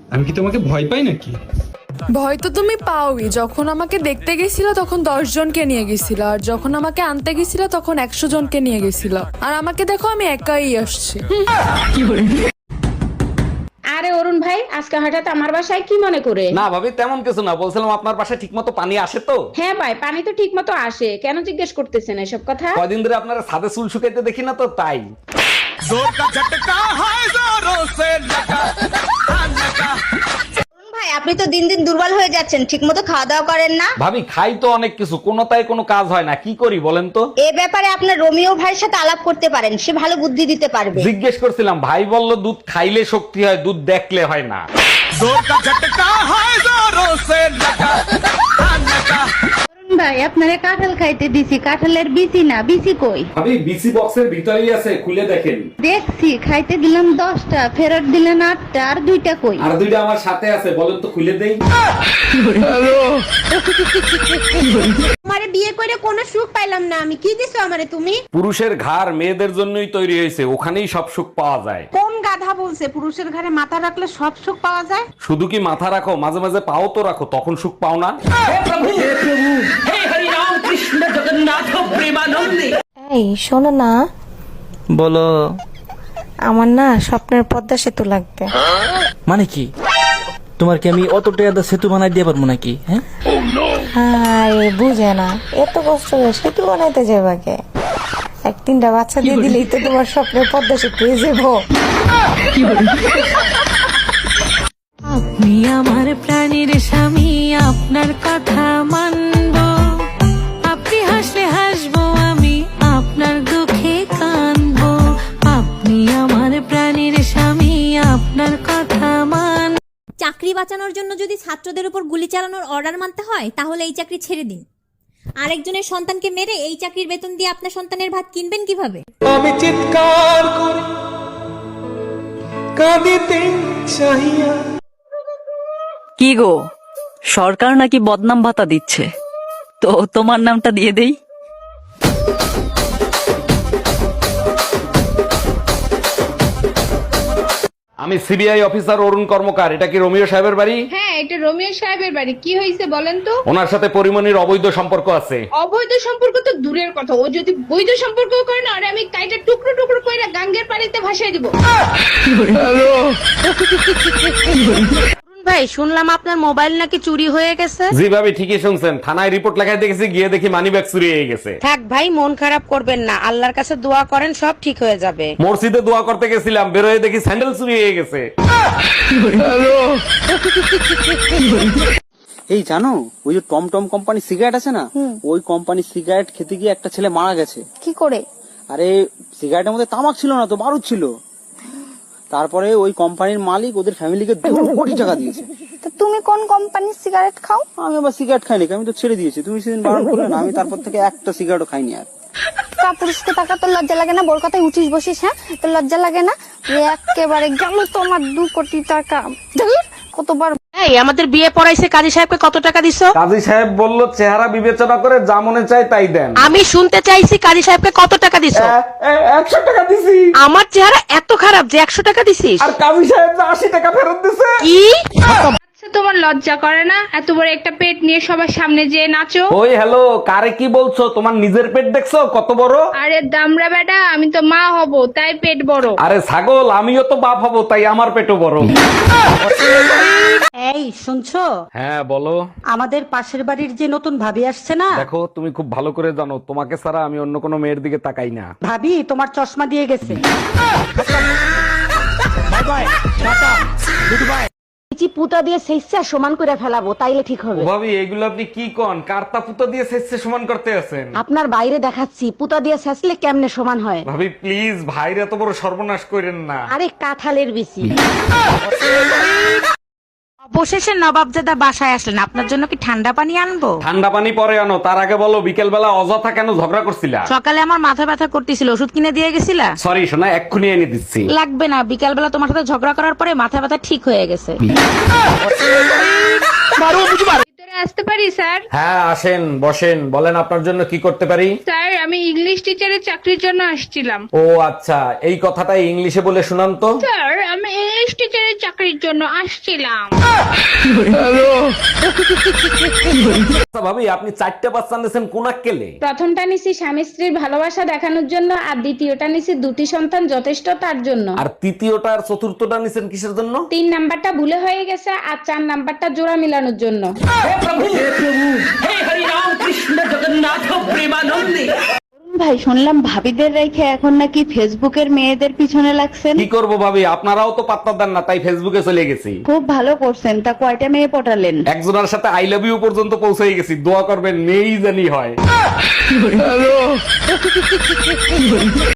আমি কি তোমাকে ভয় পাই নাকি? ভয় তো তুমি পাওই। যখন আমাকে দেখতে গেছিল তখন 10 জনকে নিয়ে গেছিল, আর যখন আমাকে আনতে গেছিল তখন 100 জনকে নিয়ে গেছিল, আর আমাকে দেখো আমি একাই আসছি। আরে অরুণ ভাই, আজকে হঠাৎ আমার বাসায় কি মনে করে? না ভাবি, তেমন কিছু না, বলছিলাম আপনার বাসায় ঠিকমতো পানি আসে তো? হ্যাঁ ভাই, পানি তো ঠিক মতো আসে, কেন জিজ্ঞেস করতেছেন এসব কথা? কয়দিন ধরে আপনার ছাদে চুল শুকাইতে দেখি না তো, তাই। ভাই আপনি তো দিন দিন দুর্বল হয়ে যাচ্ছেন, ঠিকমতো খাওয়া দাওয়া করেন না। ভাবি খাই তো অনেক কিছু, কোনোটাই কোনো কাজ হয় না, কি করি বলেন তো? এ ব্যাপারে আপনার রোমিও ভাইয়ের সাথে আলাপ করতে পারেন, সে ভালো বুদ্ধি দিতে পারবে। জিজ্ঞেস করছিলাম, ভাই বলল দুধ খাইলে শক্তি হয়, দুধ দেখলে হয় না। ভাই আপনারে কাঁঠাল খাইতে দিছি, কাঁঠালের বিচি না, বিচি কই? ভাবি বিসি বক্সের ভিতরেই আছে, খুলে দেখেন। দেখছি, খাইতে দিলাম 10টা, ফেরত দিলেন 8টা, আর 2টা কই? আর দুইটা আমার সাথে আছে, বলেন তো খুলে দেই। আমারে বিয়ে করে কোনো সুখ পাইলাম না আমি, কি দিছো আমারে তুমি? পুরুষের ঘাড় মেয়েদের জন্যই তৈরি হয়েছে, ওখানেই সব সুখ পাওয়া যায়। কোন গাধা বলছে পুরুষের ঘরে মাথা রাখলে সব সুখ পাওয়া যায়? শুধু কি মাথা রাখো, মাঝে মাঝে পাও তো রাখো, তখন সুখ পাও না? এই শোনো না, বলো। আমার না স্বপ্নের পদ্মা সেতু লাগবে। মানে কি? তোমার কি আমি অত টাকা সেতু বানাই দিয়ে পারবো নাকি? হ্যাঁ, হায় বুঝে না, এত কষ্ট করে সেতু বানাইতে যাবে কে? 1-3টা বাচ্চা দিয়ে দিলেই তো তোমার স্বপ্নের পদ্মা সেতু হয়ে যাবো। আপনি আমার প্রাণীর স্বামী, আপনার কথা মানবো। আপনি হাসলে হাসবো আমি, আপনার দুঃখে কাঁদবো। আপনি আমার প্রাণীর স্বামী, আপনার কথা মান। চাকরি বাঁচানোর জন্য যদি ছাত্রদের উপর গুলি চালানোর অর্ডার মানতে হয়, তাহলে এই চাকরি ছেড়ে দিন। আরেকজনের সন্তানকে মেরে এই চাকরির বেতন দিয়ে আপনার সন্তানের ভাত কিনবেন কিভাবে? আমি চিৎকার করি কাঁদিতে চাহিয়া। কি গো, সরকার নাকি বদনাম ভাতা দিচ্ছে, তো তোমার নামটা দিয়ে দেই। আমি সিবিআই অফিসার অরুণ কর্মকার, এটা কি রোমিও সাহেবের বাড়ি? হ্যাঁ, এটা রোমিও সাহেবের বাড়ি। কি হয়েছে বলেন তো? ওনার সাথে পরিমণির অবৈধ সম্পর্ক আছে। অবৈধ সম্পর্ক তো দূরের কথা, ও যদি বৈধ সম্পর্ক করে না, আরে আমি কাইটা টুকরো টুকরো কইরা গাঙ্গের পানিতে ভাসাই দিব। ভাই শুনলাম আপনার মোবাইল নাকি চুরি হয়ে গেছে। জি ভাবি, ঠিকই শুনছেন, থানায় রিপোর্ট লেখাই দেখেছি, গিয়ে দেখি মানিব্যাগ চুরি হয়ে গেছে। থাক ভাই, মন খারাপ করবেন না, আল্লাহর কাছে দোয়া করেন, সব ঠিক হয়ে যাবে। মসজিদে দোয়া করতে গেছিলাম, বেরোয় দেখি স্যান্ডেল চুরি হয়ে গেছে। এই জানো, ওই যে টমটম কোম্পানি সিগারেট আছে না, ওই কোম্পানির সিগারেট খেতে গিয়ে একটা ছেলে মারা গেছে। কি করে? আরে সিগারেটের মধ্যে তামাক ছিল না তো, বারুদ ছিল। তারপরে ওই কোম্পানির মালিক ওদের ফ্যামিলিকে 2 কোটি টাকা দিয়েছে। তো তুমি কোন কোম্পানির সিগারেট খাও? আমি আবার সিগারেট খাইনি, আমি তো ছেড়ে দিয়েছি। তুমি সেদিন বারণ করলে না, আমি তারপর থেকে একটা সিগারেটও খাইনি আর। পুরুষকে টাকা তোর লজ্জা লাগে না? বোর কথায় উঠিস বসিস, হ্যাঁ? তোর লজ্জা লাগে না? একেবারে গেল তোমার 2 কোটি টাকা। ধুর, কতবার। এই আমাদের বিয়ে পড়াইছে, কাজী সাহেবকে কত টাকা দিছো? কাজী সাহেব বলল চেহারা বিবেচনা করে যা মনে চায় তাই দেন। আমি শুনতে চাইছি কাজী সাহেবকে কত টাকা দিছো? 100 টাকা দিছি। আমার চেহারা এত খারাপ যে 100 টাকা দিছিস? আর কাজী সাহেব 80 টাকা ফেরত দিছে। কি? তোমার লজ্জা করে না এত বড় একটা পেট নিয়ে সবার সামনে যে নাচো? ওই হ্যালো, কারে কি বলছো? তোমার নিজের পেট দেখছো কত বড়? আরে দামড়া বেটা, আমি তো মা হব তাই পেট বড়। আরে ছাগল, আমিও তো বাপ হব তাই আমার পেটও বড়। এই শুনছো? হ্যাঁ বলো। আমাদের পাশের বাড়ির যে নতুন ভাবি আসছে না, দেখো তুমি খুব ভালো করে জানো, তোমাকে ছাড়া আমি অন্য কোনো মেয়ের দিকে তাকাই না। ভাবি তোমার চশমা দিয়ে গেছে। পুতা দিয়ে সেইসা সমান করে ফেলাবো, তাইলে ঠিক হবে। ও ভাবি, এগুলো আপনি কি কোন? কার্তা পুতো দিয়ে সেচে সমান করতে আছেন? আপনার বাইরে দেখাচ্ছি, পুতা দিয়ে শেষলে কেমনে সমান হয়। ভাবি প্লিজ, ভাইরা তো বড় সর্বনাশ করেন না। আরে কাঁঠালের বিচি। অবশেষে নবাবজাদা বাসায় আসলেন, আপনার জন্য কি ঠান্ডা পানি আনবো? ঠান্ডা পানি পরে আনো, তার আগে বলো বিকেল বেলা অযথা কেন ঝগড়া করছিলা? সকালে আমার মাথা ব্যথা করতেছিল, ওষুধ কিনে দিয়ে গেছিলা? সরি সোনা, এক্ষুনি এনে দিচ্ছি। লাগবে না, বিকাল বেলা তোমার সাথে ঝগড়া করার পরে মাথা ব্যথা ঠিক হয়ে গেছে। ভিতরে আসতে পারি স্যার? হ্যাঁ আসেন বসেন, বলেন আপনার জন্য কি করতে পারি। স্যার আমি ইংলিশ টিচারের চাকরির জন্য আসছিলাম। ও আচ্ছা, এই কথাটা ইংলিশে বলে শুনান তো। স্যার আমি ইংলিশ টিচারের চাকরির জন্য আসছিলাম। আচ্ছা ভাবি, আপনি 4টা বাচ্চা নিয়েছেন কোন আক্কেলে? প্রথমটা নিছি স্বামী স্ত্রীর ভালোবাসা দেখানোর জন্য, আর দ্বিতীয়টা নিছি 2টি সন্তান যথেষ্ট তার জন্য। আর তৃতীয়টা আর চতুর্থটা নিছেন কিসের জন্য? 3 নাম্বারটা ভুলে হয়ে গেছে, আর 4 নাম্বারটা জোড়া মিলানোর জন্য। ভাই শুনলাম ভাবিদের রেখে এখন নাকি ফেসবুকের মেয়েদের পিছনে লাগছেন। কি করব ভাবি, আপনারাও তো পাত্তা দেন না, তাই ফেসবুকে চলে গেছি। খুব ভালো করছেন। তা কয়টা মেয়ে পটালেন? একজনের সাথে আই লাভ ইউ পর্যন্ত পৌঁছে গেছি, দোয়া করবেন মেয়েই জানি হয়।